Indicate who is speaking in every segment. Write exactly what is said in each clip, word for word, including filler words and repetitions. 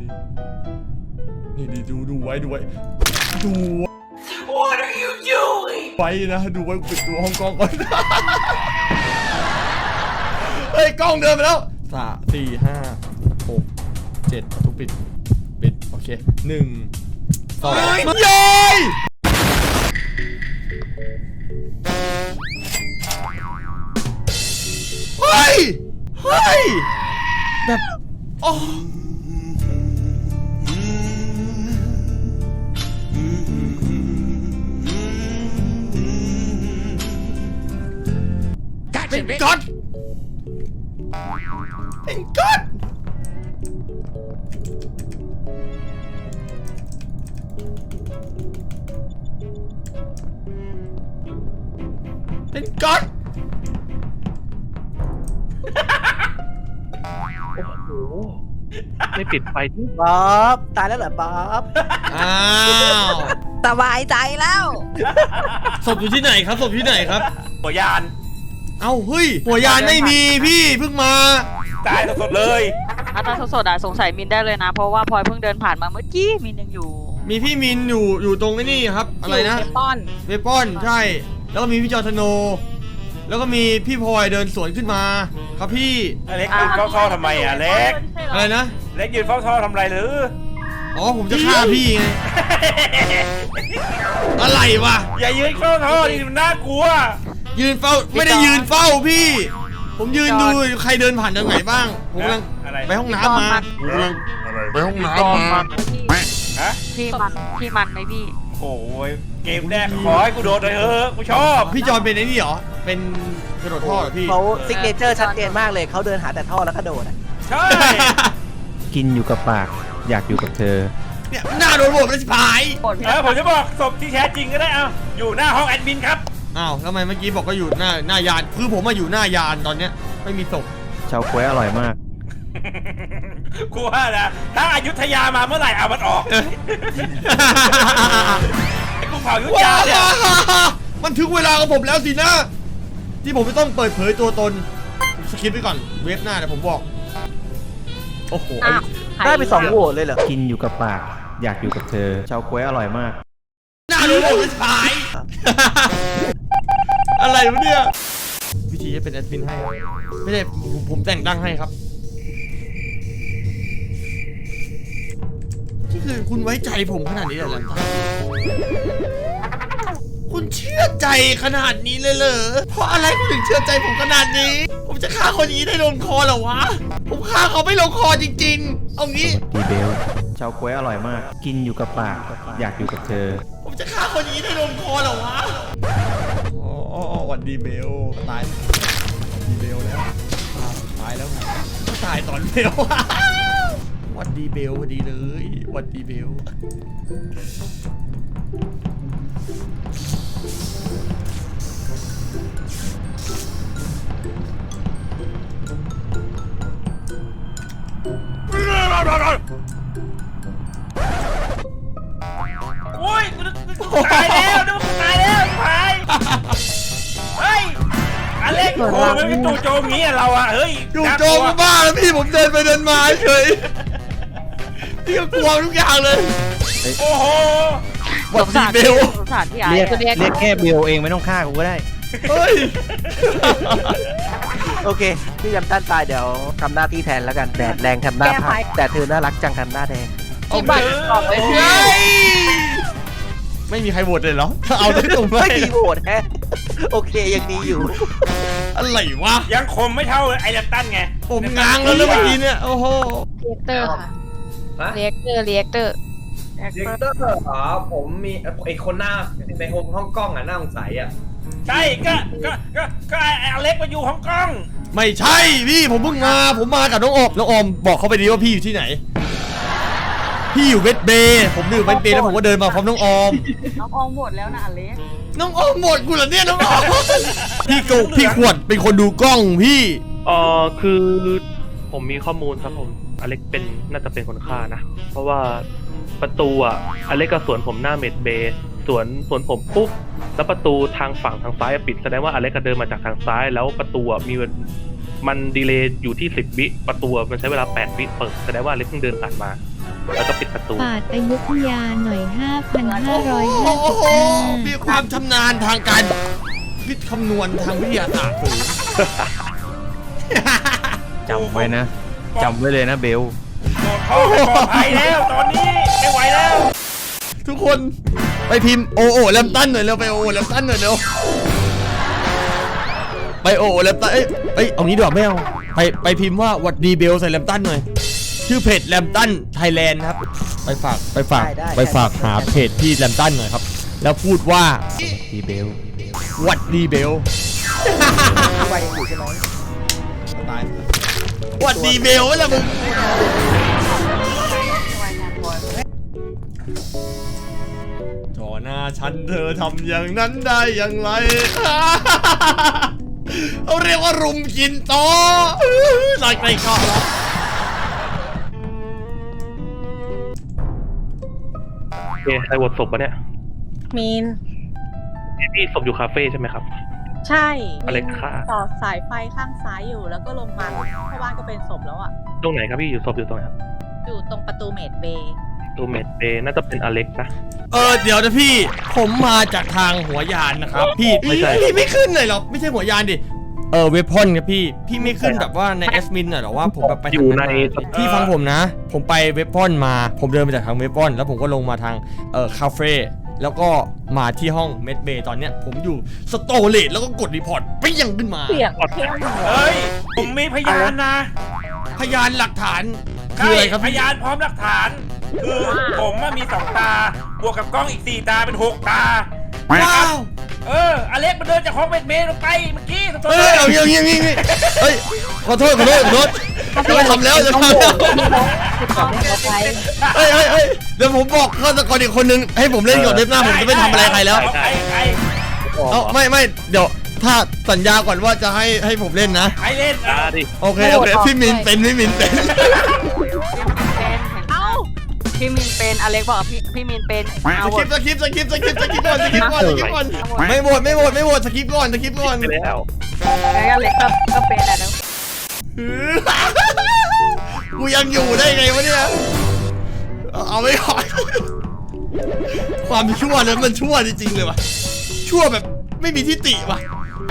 Speaker 1: นี่นี่ดูดูไว้ดูไว้ดู What are you doing ไว้นะดูไว้ปิดตัวห้องกล้องก่อนเฮ้ยกล้องเดินไปแล้วสามสี่ห้าหกเจ็ดประตูปิดปิดโอเคหนึ่งสองเย้ยเฮ้ยเฮ้ยแบบอ๋อเป็นก๊อตเป็นก๊อตเป็นก๊อต
Speaker 2: โอ้โหไม่ปิดไฟที่
Speaker 3: บ๊อบตายแล้วเหรอบ๊อบ
Speaker 1: อ้าว
Speaker 4: สบายใจแล้ว
Speaker 1: ศพอยู่ที่ไหนครับศพที่ไหนครับ
Speaker 5: หัวยาน
Speaker 1: เอ้าเฮ้ยหัวยานไม่มีพี่เพิ่งมา
Speaker 5: ตายสดๆเลย
Speaker 4: ถ้าตอนสดๆอ่ะสงสัยมินได้เลยนะ เพราะว่าพลอยเพิ่งเดินผ่านมาเมื่อกี้มินยังอยู่
Speaker 1: มีพี่มินอยู่อยู่ตรงนี้ครับอะไรนะ
Speaker 4: เวปอน
Speaker 1: เวปอนใช่แล้วก็มีพี่จอร์ธโนแล้วก็มีพี่พลอยเดินสวนขึ้นมาครับพี่
Speaker 5: อเล็กยืนเฝ้าท่อทำไมอ่ะเล็ก
Speaker 1: อะไรนะ
Speaker 5: เล็กยืนเฝ้าท่อทำไรหรือ
Speaker 1: อ๋อผมจะฆ่าพี่ไงอะไรวะ
Speaker 5: อย่ายืนเฝ้าท่อดิมันน่ากลัว
Speaker 1: ยืนเฝ้าไม่ได้ยืนเฝ้าพี่ ผมยืนดูใครเดินผ่านทางไหนบ้างผมกำลัง
Speaker 5: อะไร
Speaker 1: ไปห้องน้ำมาผมกำลังไปห้องน้ำมา
Speaker 5: ฮะ
Speaker 4: พี่มันพี่มันไหมพี่
Speaker 5: โอ้ยเกมแรกขอให้กูโดดเลยเถอะกูชอบ
Speaker 1: พี่จอนเป็นไอ้นี่เหรอเป็นกระโดดท่อเหรอพี่
Speaker 3: เขาซิกเนเจอร์ชัดเจนมากเลยเขาเดินหาแต่ท่อแล้วก็โดดอ่ะ
Speaker 5: ใช่
Speaker 2: กินอยู่กับปากอยากอยู่กับเธอ
Speaker 1: เนี่ยหน้าโดนโหวตเป็นสิบหาย
Speaker 5: เออผมจะบอกศพที่แท้จริงก็ได้เอาอยู่หน้าห้องแอดมินครับ
Speaker 1: อ้าวทำไมเมื่อกี้บอกก็อยู่หน้าหน้ายานคือผมมาอยู่หน้ายานตอนเนี้ยไม่มีศพ
Speaker 2: ชาวก๊วยอร่อยมาก
Speaker 5: กูว่านะถ้าอยุธยามาเมื่อไหร่เอามันออกไอ้กูเผาอยุธยาเนี่ย
Speaker 1: มันถึงเวลาของผมแล้วสินะที่ผมจะต้องเปิดเผยตัวตนสคริปต์ไว้ก่อนเว็บหน้าเดี๋ยวผมบอกโอ้โห
Speaker 4: อ้าว
Speaker 3: ได้ไปสองโหวตเลยเหรอ
Speaker 2: กินอยู่กับปากอยากอยู่กับเธอ ชาวก๊วยอร่อยมาก
Speaker 1: หน้าโดนโหวตเป็นสิบหายอะไรวะเนี่ยวิธีจะเป็นแอดมินให้ไม่ได้ผมผมแต่งตั้งให้ครับนี่คือคุณไว้ใจผมขนาดนี้เลยเหรอคุณเชื่อใจขนาดนี้เลยเหรอเพราะอะไรคุณถึงเชื่อใจผมขนาดนี้ผมจะฆ่าคนนี้ได้ลงคอเหรอวะผมฆ่าเขาไม่ลงคอจริงๆเอางี้
Speaker 2: ดีเบล ชาวก๊วยอร่อยมาก กินอยู่กับปากอยากอยู่กับเธอ
Speaker 1: ผมจะฆ่าคนนี้ได้ลงคอเหรอวะอ๋อวันดีเบลตายดีเบลแล้วตายแล้วตายตอนเบลวันดีเบลพอดีเลยวันดีเบล
Speaker 5: โอ้ยกูกูตายแล้วนึกว่ากูตายแล้วตายเฮ้ยอเล็กโอ้โหมันเป็นจู่โจมงี้อะเราอะเฮ้ย
Speaker 1: ดูโจมบ้าแล้วพี่ผมเดินไปเดินมาเฉยพี่ก็กลัวทุกอย่างเลย
Speaker 5: โอ้โห
Speaker 1: วั
Speaker 4: ส
Speaker 1: น
Speaker 4: ง
Speaker 1: ดี
Speaker 4: สาร
Speaker 1: เบล
Speaker 4: สงสารพี่ไอ้
Speaker 2: เรียก
Speaker 4: อะ
Speaker 2: เรียกแค่เบลเองไม่ต้องฆ่ากูก็ได้
Speaker 1: เฮ้ย
Speaker 3: โอเคพี่ยำต้านตายเดี๋ยวทำหน้าที่แทนแล้วกันแดดแรงทำหน้าพังแต่เธอน่ารักจังทำหน้าแดง
Speaker 4: ที่บ้านบอกเลยพี่
Speaker 1: เฮ้ยไม่มีใครโหวตเลยเหรอเอาได้ตรงไหม
Speaker 3: ไม่มีโหวตแฮะโอเคยังดีอยู่
Speaker 1: อะไรวะ
Speaker 5: ยังคมไม่เท่าไอ้ดัตตันไง
Speaker 1: ผมง้างแล้วเมื่อกี้เนี่ยโอ้โห
Speaker 4: เรียกเตอร์ค่ะเรียกเตอร์เรียกเตอร์
Speaker 6: เด็กเตอร์เหรอผมมีไอคนหน้าในห้องห้องกล้องอ่ะหน้าสงสัยอ่ะ
Speaker 5: ใช่ก็ก็ก็ก็ไอ้อเล็กมาอยู่ฮ่องกง
Speaker 1: ไม่ใช่พี่ผมเพิ่งมาผมมากับน้องออมน้องออมบอกเขาไปดีว่าพี่อยู่ที่ไหนพี่อยู่เวสเบย์ผมอยู่เวสเบย์แล้วผมก็เดินมาพร้อมน้องออม
Speaker 4: น้องออมหมดแล้วนะอเล็ก
Speaker 1: น้องออมหมดกูเหรอเนี่ยน้องออมพี่กูพี่ขวดเป็นคนดูกล้องพี่
Speaker 2: เออคือผมมีข้อมูลครับผมอเล็กเป็นน่าจะเป็นคนฆ่านะ เพราะว่าประตูอ่ะอเล็กกับสวนผมหน้าเมดเบย์สวนสวนผมปุ๊บแล้วประตูทางฝั่งทางซ้ายปิดแสดงว่าอเล็กก็เดินมาจากทางซ้ายแล้วประตูอ่ะมีมันดีเลย์อยู่ที่สิบวิประตูมันใช้เวลาแปดวิเปิดแสดงว่าอเล็กเพิ่งเดินผ่านมาแล้วก็ปิดประตู
Speaker 7: ปาดอยุธยาหน่อย ห้าพันห้าร้อยห้า
Speaker 1: โอ้
Speaker 7: สิบ
Speaker 1: โห
Speaker 7: ห้า
Speaker 1: มีความชำนาญทางการวิทย์คำนวณทางวิทยาศาสตร์สูง
Speaker 3: จำไว้นะจำไว้เลยนะเบล
Speaker 5: โอ้ไม่ปลอดภัยแล้วตอนนี้ไม่ไหวแล้ว
Speaker 1: ทุกคนไปพิมพ์โอโอแลมตันหน่อยเร็วไปโอโอแลมตันหน่อยเร็วไปโอโอแลมตันเอ้ยเอ้ยเอางี้ดีกว่าไม่เอาไปไปพิมพ์ว่าวัดดีเบลใส่แลมตันหน่อยชื่อเพจแลมตันไทยแลนด์ครับไปฝากไปฝาก
Speaker 3: ได้ได้
Speaker 1: ไปฝากหาเพจพี่แลมตันหน่อยครับแล้วพูดว่า
Speaker 3: ดีเบล
Speaker 1: วัดดีเบล
Speaker 3: ไปยังอยู่ใช่ไหม
Speaker 1: ตายวัดดีเบลแล้วมึงต่อหน้าฉันเธอทำอย่างนั้นได้อย่างไร เขาเรียกว่ารุมกินโตลอยไกลคอแล้ว
Speaker 2: โอเคใครโหวตศพปะเนี่ย
Speaker 8: มีน
Speaker 2: พี่พี่ศพอยู่คาเฟ่ใช่ไหมครับ
Speaker 8: ใช่
Speaker 2: อเล็กค่ะ
Speaker 8: ต่อสายไฟข้างซ้ายอยู่แล้วก็ลงมาเข้าบ้านก็เป็นศพแล้วอ่ะ
Speaker 2: ตรงไหนครับพี่อยู่ศพอยู่ตรงไหนครับ
Speaker 8: อยู่ตรงประตูเมดเบย์
Speaker 2: ตูเมดเบย์น่าจะเป็นอเล็กนะ
Speaker 1: เออเดี๋ยวนะพี่ผมมาจากทางหัวยานนะครับพี่
Speaker 2: ไม่ใช่
Speaker 1: พี่ไม่ขึ้นเลยหรอไม่ใช่หัวยานดิเออเวพอนครับพี่พี่ไม่ขึ้นแบบว่าในแอสมินหน่อยหรอว่าผมแบบไป
Speaker 2: อ
Speaker 1: ทาง
Speaker 2: ยู่
Speaker 1: นั้น
Speaker 2: ใน
Speaker 1: มาพี่ฟังผมนะ ผมไปเวพอนมาผมเดินมาจากทางเวพอนแล้วผมก็ลงมาทางเออคาเฟ่แล้วก็มาที่ห้องเมดเบย์ตอนเนี้ยผมอยู่สโตเลตแล้วก็กดรีพอร์ตไปยังขึ้นมา
Speaker 8: เสียงเข้ม
Speaker 5: เฮ้ยผมมีพยานนะ
Speaker 1: พยานหลักฐานคืออะไรครับ
Speaker 5: พ
Speaker 1: พี่
Speaker 5: ยานพร้อมหลักฐาน คือผมอะมีสองตาบวกกับกล้องอีกสี่ตาเป็นหกตา
Speaker 1: ว้าว
Speaker 5: เอออเล็กมันเดินจากห้องเมดเมย์ลงไปเมื่อกี้ตรง
Speaker 1: เฮ้ยเอาอย่างงี้อย่างงี้อย่างงี้เฮ้ยขอโทษขอโทษขอโทษจะทำแล้วจะทำแล้ว เฮ้ยเฮ้ยเฮ้ยเดี๋ยวผมบอกฆาตกรอีกคนนึงให้ผมเล่นก่อนเว็บหน้าผมจะไม่ทำอะไรใครแล้ว
Speaker 5: ใครใคร
Speaker 1: เอาไม่ไม่เดี๋ยวถ้าสัญญาก่อนว่าจะให้ให้ผมเล่นนะ
Speaker 5: ใครเล่น
Speaker 2: อ่า
Speaker 5: อ่ะ
Speaker 2: ดิ
Speaker 1: โอเคโอเคพี่มินเป็นพี่มินเป็น
Speaker 8: เอ้า
Speaker 4: พี่มินเป็นอเล็กบอกพี่พี่มินเป็น
Speaker 1: ส
Speaker 4: เอา
Speaker 1: คริปต์สคริปต์สคริปต์สคริปต์สคริปต์ก่อนสคริปต์ก่อนสคริปต์ก่อนไม่โหวตไม่โหวตไม่โหวตสคริปต์ก่อนสคริปต์ก่อน
Speaker 2: ไปแล้ว
Speaker 4: แล้วอเล็กก็ก็เป็นอะนะ
Speaker 1: กูยังอยู่ได้ไงวะเนี่ยเอาไม่ก่อนความชั่วนั้นมันชั่วจริงๆเลยวะชั่วแบบไม่มีทิฏฐิวะ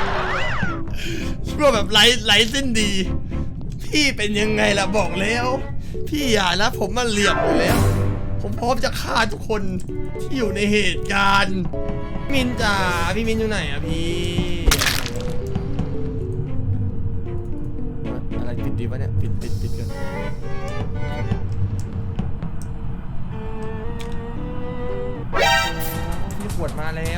Speaker 1: ชั่วแบบไร้ไร้สิ้นดี พี่เป็นยังไงล่ะบอกแล้ว พี่อย่านะผมมันเหลี่ยมอยู่แล้ว ผมพร้อมจะฆ่าทุกคนที่อยู่ในเหตุการณ์มินจ๋าพี่มินอยู่ไหนอะพี่อะไรปิดดีวะเนี่ยปิดปิดปิดกันพี่ขวดมาแล้ว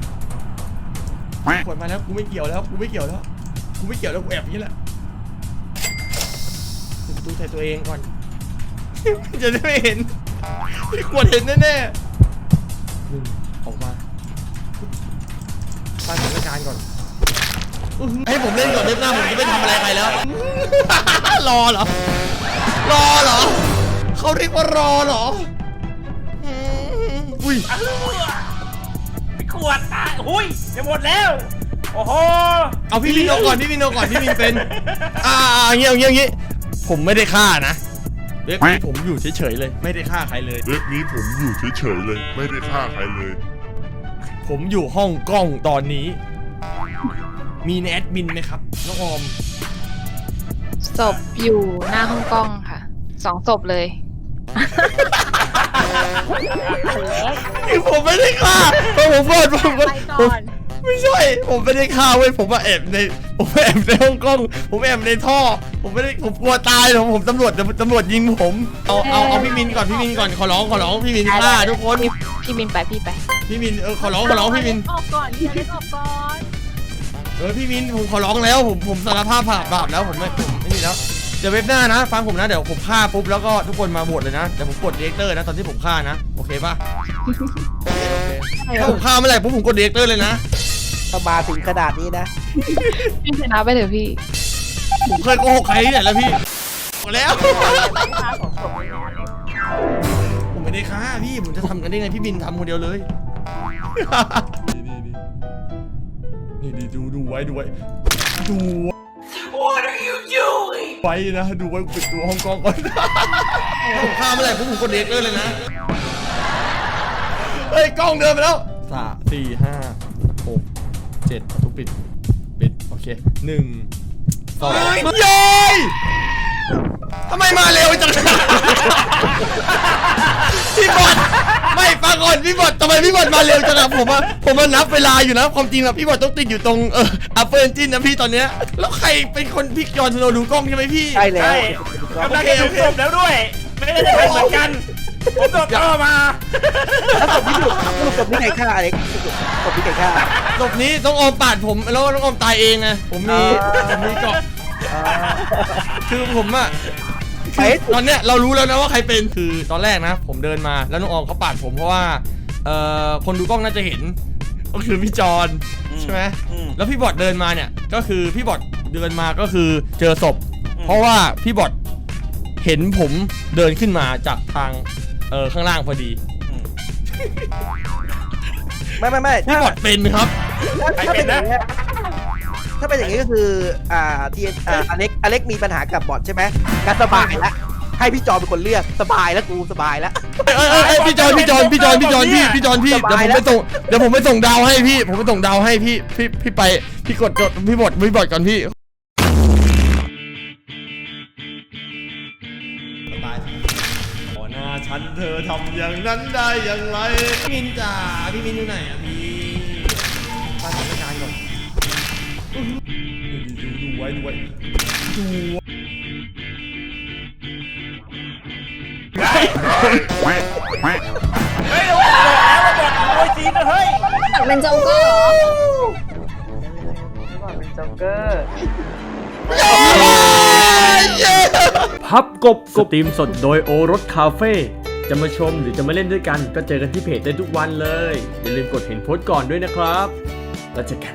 Speaker 1: ขวดมาแล้วกูไม่เกี่ยวแล้วกูไม่เกี่ยวแล้วกูไม่เกี่ยวแล้วกูแอบอย่างนี้แหละปิดประตูใส่ตัวเองก่อน จะได้ไม่เห็นพี่ขวดเห็นแน่ๆหนึ่งออกมาฟังสถานการณ์ก่อนให้ผมเล่นก่อนเล่นหน้าผมจะไม่ทำอะไรใครแล้ว รอเหรอรอเหรอเขาเรียกว่ารอเหรออืมอุ้ย
Speaker 5: ไปขวดตาหุ้ยจะหมดแล้วโอ้โห
Speaker 1: เอาพี่มินเอาก่อนพี่มินเอาก่อนพี่มินเป็นอ่าอย่างเงี้ยอย่างเงี้ยอย่างเงี้ยผมไม่ได้ฆ่านะเว็บนี้ผมอยู่เฉยๆเลยไม่ได้ฆ่าใครเลย
Speaker 9: เว็บนี้ผมอยู่เฉยๆเลย ไม่ได้ฆ่าใครเลย
Speaker 1: ผมอยู่ห้องกล้องตอนนี้ มีแอดมินไหมครับน้องออม
Speaker 10: ศพอยู่หน้าห้องกล้องค่ะสองศพเลย
Speaker 1: คือผมไม่ได้ฆ่าเพราะผมบอกผม
Speaker 8: ไป
Speaker 1: ผ
Speaker 8: ก่
Speaker 1: ม
Speaker 8: อน
Speaker 1: ไม่ใช่ผมไม่ได้ฆ่าเว้ยผมมาแอบในผมแอบในห้องกล้อง ผมแอบในท่อ ผมไม่ได้ผมกลัวตายผมผมตำรวจตำรวจยิงผมเอาเอาเอาพี่มินก่อนพี่มินก่อนขอร้องขอร้องพี่มินฆ่าทุกคน
Speaker 10: พี่พี่มินไปพี่ไป
Speaker 1: พี่มินเออขอร้องขอร้องพี่มิน
Speaker 8: ออกก่อนพี่อเล็กออกก่อน
Speaker 1: เออพี่มินผมขอร้องแล้วผมผมสารภาพบาปบาปแล้วผมไม่ผมไม่มีแล้วเดี๋ยวเว็บหน้านะฟังผมนะเดี๋ยวผมฆ่าปุ๊บแล้วก็ทุกคนมาโหวตเลยนะเดี๋ยวผมกดเรียกเตอร์นะตอนที่ผมฆ่านะโอเคป่ะโอเคโอเคถ้าผมฆ่าเมื่อไหร่ปุ๊บผมกดเรียกเตอร์เลยนะ
Speaker 3: ถ้ามาถึงขนาดนี้นะ
Speaker 10: พี่ชนะไปเถอะพี่
Speaker 1: ผมเคยโกหกใครที่ไหนแล้วพี่หมดแล้ว ผมไม่ได้ฆ่าพี่ผมจะทำกันได้ไงพี่บินทำคนเดียวเลย นี่นี่นี่นี่ดูดูไว้ดูไว้ดู
Speaker 5: What are you
Speaker 1: ไว้นะดูไว้ปิดตัวฮ่องกงก่อนผมข้ามไม่ได้ผมผมกดเด็กเลยเลยนะเฮ้ยกล้องเดินไปแล้วสามสี่ห้าหกเจ็ดทุกปิดปิดโอเคหนึ่งสองเย้ยทำไมมาเร็วจังพี่บอลไม่ฟังก่อนพี่บอลทำไมพี่บอลมาเร็วจังอะผมว่าผมมานับเวลาอยู่นะความจริงอะพี่บอลต้องติดอยู่ตรงเอออัปเปอร์เอนจินนะพี่ตอนเนี้ยแล้วใครเป็นคนพี่จอห์นสโนว์ดูกล้องใช่ไหมพี่
Speaker 3: ใช่แล้ว
Speaker 5: ใช่กำลังจะถูกศพแล้วด้วย ไม่ได้จะทำเหมือนกัน ผมโดนต่อมา
Speaker 3: แล้วศพที่ถูกสรุปศพนี่ใครฆ่าอเล็กศพนี่ใครฆ่า
Speaker 1: ศพนี้ต้องออมปาดผมแล้วต้องออมตายเองไงผมมีผมมีเกาะคือผมอะคือตอนเนี้ยเรารู้แล้วนะว่าใครเป็นคือตอนแรกนะ ผมเดินมาแล้วน้องออมเขาปาดผมเพราะว่าเอ่อคนดูกล้องน่าจะเห็นก็คือพี่จอนใช่ไหมแล้วพี่บอดเดินมาเนี่ยก็คือพี่บอดเดินมาก็คือเจอศพเพราะว่าพี่บอดเห็นผมเดินขึ้นมาจากทางเออข้างล่างพอดี
Speaker 3: ไม่ไม่ไม่
Speaker 1: พี่บอดเป็นครับ
Speaker 3: ถ้าเป็นอย่างนี้ถ้าเป็นอย่างนี้ก็คืออ่าทีอ่าอเล็กอเล็กมีปัญหากับบอทใช่ไหมงั้นสบายละให้พี่จอเป็นคนเลือกสบายแล้วกูสบายแล้ว
Speaker 1: เอ้ยเอ้ยเอ้ยพี่จอนพี่จอนพี่จอนพี่จอนพี่พี่จอนพี่เดี๋ยวผมไปส่งเดี๋ยวผมไปส่งดาวให้พี่ผมไปส่งดาวให้พี่พี่พี่ไปพี่กดกดพี่บอดพี่บอดก่อนพี่ตายต่อหน้าฉันเธอทำอย่างนั้นได้อย่างไรพี่มินจ๋าพี่มินอยู่ไหนอะพี่ฟังสถานการณ์ก่อนดูดูดูไว้ดูไว้ดู
Speaker 5: เฮ้ยเราบอกแล้วเราบอกโวยจีนนะเฮ้ย
Speaker 10: เป็นโจ๊กเกอร์เหรอ
Speaker 11: พับกบสตรีมสดโดยโอรสคาเฟ่จะมาชมหรือจะมาเล่นด้วยกันก็เจอกันที่เพจได้ทุกวันเลย อย่าลืมกดเห็นโพสต์ก่อนด้วยนะครับแล้วเจอกัน